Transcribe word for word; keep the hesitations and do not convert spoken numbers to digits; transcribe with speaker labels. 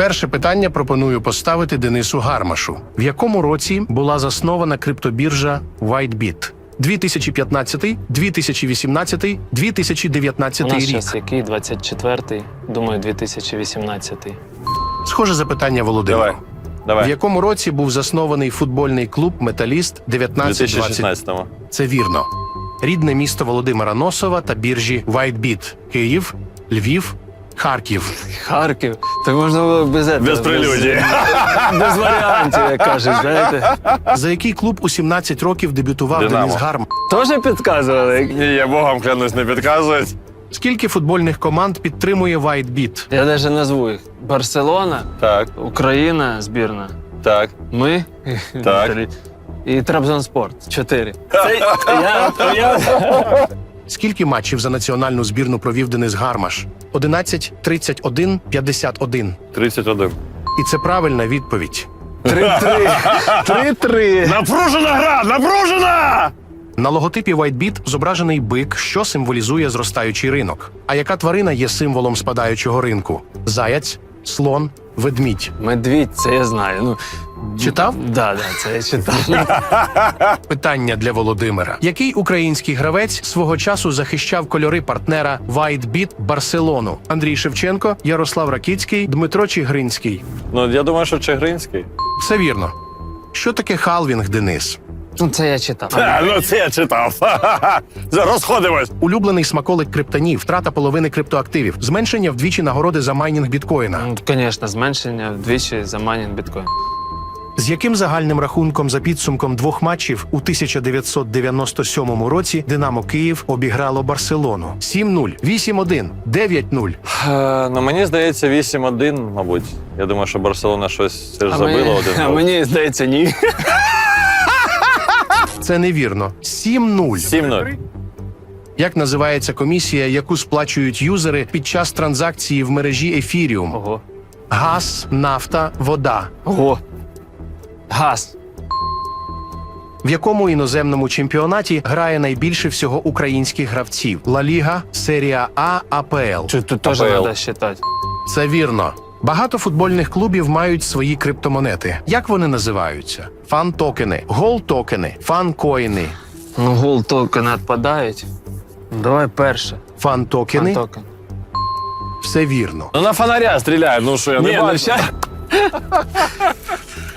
Speaker 1: Перше питання пропоную поставити Денису Гармашу. В якому році була заснована криптобіржа WhiteBit? дві тисячі п'ятнадцятий, дві тисячі вісімнадцятий, дві тисячі
Speaker 2: У
Speaker 1: дев'ятнадцятий
Speaker 2: нас
Speaker 1: рік.
Speaker 2: зараз який? двадцять четвертий, думаю, дві тисячі вісімнадцятий.
Speaker 1: Схоже запитання Володимиру.
Speaker 3: Давай.
Speaker 1: В
Speaker 3: Давай.
Speaker 1: якому році був заснований футбольний клуб «Металіст»
Speaker 3: У
Speaker 1: дев'ятнадцять
Speaker 3: дві тисячі
Speaker 1: двадцять?
Speaker 3: шістнадцятому.
Speaker 1: Це вірно. Рідне місто Володимира Носова та біржі WhiteBit. Київ, Львів, Харків.
Speaker 2: Харків. Так можна було без этого.
Speaker 3: Без прелюдії.
Speaker 2: Без, без варіантів, як кажуть, знаєте.
Speaker 1: За який клуб у сімнадцять років дебютував
Speaker 3: «Динамо».
Speaker 1: Денис Гармаш?
Speaker 2: Тоже підказували?
Speaker 3: Ні, я богом клянусь, не підказують.
Speaker 1: Скільки футбольних команд підтримує WhiteBit?
Speaker 2: Я навіть назву їх. Барселона,
Speaker 3: Так,
Speaker 2: Україна, збірна.
Speaker 3: так.
Speaker 2: Ми.
Speaker 3: Так.
Speaker 2: Три. І Трабзонспорт. Чотири. Це я, я...
Speaker 1: Скільки матчів за національну збірну провів Денис Гармаш? одинадцять, тридцять один, п'ятдесят один.
Speaker 3: тридцять один.
Speaker 1: І це правильна відповідь.
Speaker 2: Три-три. Три-три.
Speaker 3: Напружена гра! Напружена!
Speaker 1: На логотипі WhiteBit зображений бик, що символізує зростаючий ринок. А яка тварина є символом спадаючого ринку? Заяць, слон, ведмідь.
Speaker 2: Медвідь, це я знаю. Ну,
Speaker 1: Читав?
Speaker 2: да, да, це я читав.
Speaker 1: Питання для Володимира. Який український гравець свого часу захищав кольори партнера WhiteBit Барселону? Андрій Шевченко, Ярослав Ракіцький, Дмитро Чигринський.
Speaker 3: Ну, я думаю, що Чигринський.
Speaker 1: Все вірно. Що таке халвінг, Денис?
Speaker 2: Ну, це я читав.
Speaker 3: А, ну це я читав. Розходимось.
Speaker 1: Улюблений смаколик криптонів, втрата половини криптоактивів, зменшення вдвічі нагороди за майнінг біткоїна.
Speaker 2: Ну, звісно, зменшення вдвічі за майнінг біткоін.
Speaker 1: З яким загальним рахунком за підсумком двох матчів у тисяча дев'ятсот дев'яносто сьомому році Динамо Київ обіграло Барселону? сім нуль, вісім один, дев'ять нуль.
Speaker 3: Е, Ну, мені здається, вісім один, мабуть. Я думаю, що Барселона щось все ж
Speaker 2: А
Speaker 3: забила
Speaker 2: мені,
Speaker 3: один
Speaker 2: а
Speaker 3: гол.
Speaker 2: мені здається, ні.
Speaker 1: Це невірно. сім нуль.
Speaker 3: сім нуль.
Speaker 1: Як називається комісія, яку сплачують юзери під час транзакції в мережі Ефіріум?
Speaker 2: Ого.
Speaker 1: Газ, нафта, вода.
Speaker 2: Ого. Газ.
Speaker 1: В якому іноземному чемпіонаті грає найбільше всього українських гравців? Ла Ліга, Серія А, АПЛ.
Speaker 2: Тут, тут теж
Speaker 3: АПЛ.
Speaker 2: треба вважати.
Speaker 1: Це вірно. Багато футбольних клубів мають свої криптомонети. Як вони називаються? Фан-токени, гол-токени, фан-коїни.
Speaker 2: Ну, гол токени відпадають. Ну, давай перше.
Speaker 1: Фан-токени
Speaker 2: Токен.
Speaker 1: – все вірно.
Speaker 3: Ну, на фонаря стріляють, ну що, я не
Speaker 2: Ні, ну
Speaker 3: бачу.
Speaker 2: ща...